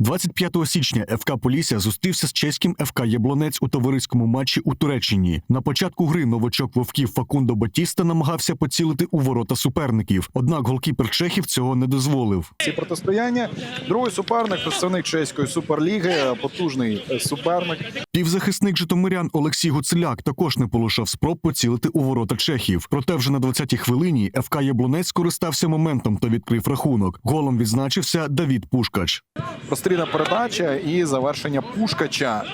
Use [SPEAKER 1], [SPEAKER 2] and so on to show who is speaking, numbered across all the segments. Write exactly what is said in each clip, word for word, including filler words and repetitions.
[SPEAKER 1] двадцять п'ятого січня еф ка «Полісся» зустрівся з чеським еф ка «Яблонець» у товариському матчі у Туреччині. На початку гри новачок вовків Факундо Батіста намагався поцілити у ворота суперників. Однак голкіпер чехів цього не дозволив.
[SPEAKER 2] Ці протистояння. Другий суперник – представник чеської суперліги, потужний суперник.
[SPEAKER 1] Півзахисник житомирян Олексій Гуцуляк також не полишав спроб поцілити у ворота чехів. Проте вже на двадцятій хвилині еф ка «Яблонець» скористався моментом та відкрив рахунок. Голом відзначився Давід Пушкач.
[SPEAKER 2] Прострільна передача і завершення Пушкача,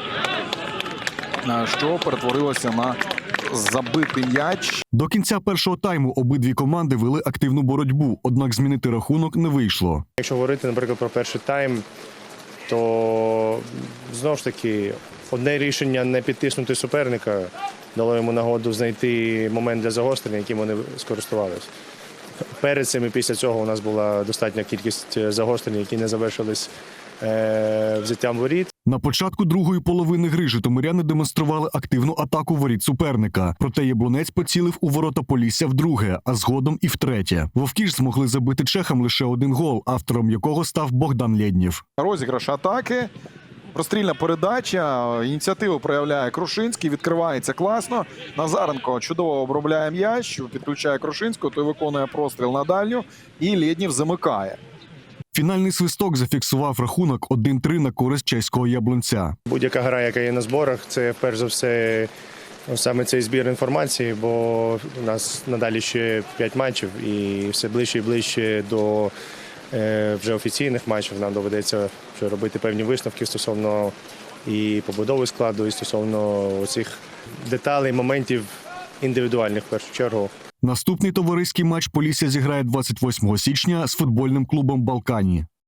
[SPEAKER 2] що перетворилося на забитий м'яч.
[SPEAKER 1] До кінця першого тайму обидві команди вели активну боротьбу, однак змінити рахунок не вийшло.
[SPEAKER 3] Якщо говорити, наприклад, про перший тайм, то знову ж таки одне рішення не підтиснути суперника дало йому нагоду знайти момент для загострення, яким вони скористувалися. Перед цим і після цього у нас була достатня кількість загострень, які не завершились е, взяттям воріт.
[SPEAKER 1] На початку другої половини гри житомиряни демонстрували активну атаку воріт суперника. Проте Яблонець поцілив у ворота Полісся вдруге, а згодом і втретє. Вовки ж змогли забити чехам лише один гол, автором якого став Богдан Лєднєв.
[SPEAKER 2] Розіграш атаки. Прострільна передача, ініціативу проявляє Крушинський, відкривається класно. Назаренко чудово обробляє м'яч, підключає Крушинського, той виконує простріл на дальню і Лєднєв замикає.
[SPEAKER 1] Фінальний свисток зафіксував рахунок один-три на користь чеського Яблонця.
[SPEAKER 3] Будь-яка гра, яка є на зборах, це перш за все саме цей збір інформації, бо у нас надалі ще п'ять матчів і все ближче і ближче до вже офіційних матчів нам доведеться вже робити певні висновки стосовно і побудови складу, і стосовно цих деталей, моментів індивідуальних в першу чергу.
[SPEAKER 1] Наступний товариський матч Полісся зіграє двадцять восьмого січня з футбольним клубом «Балкані».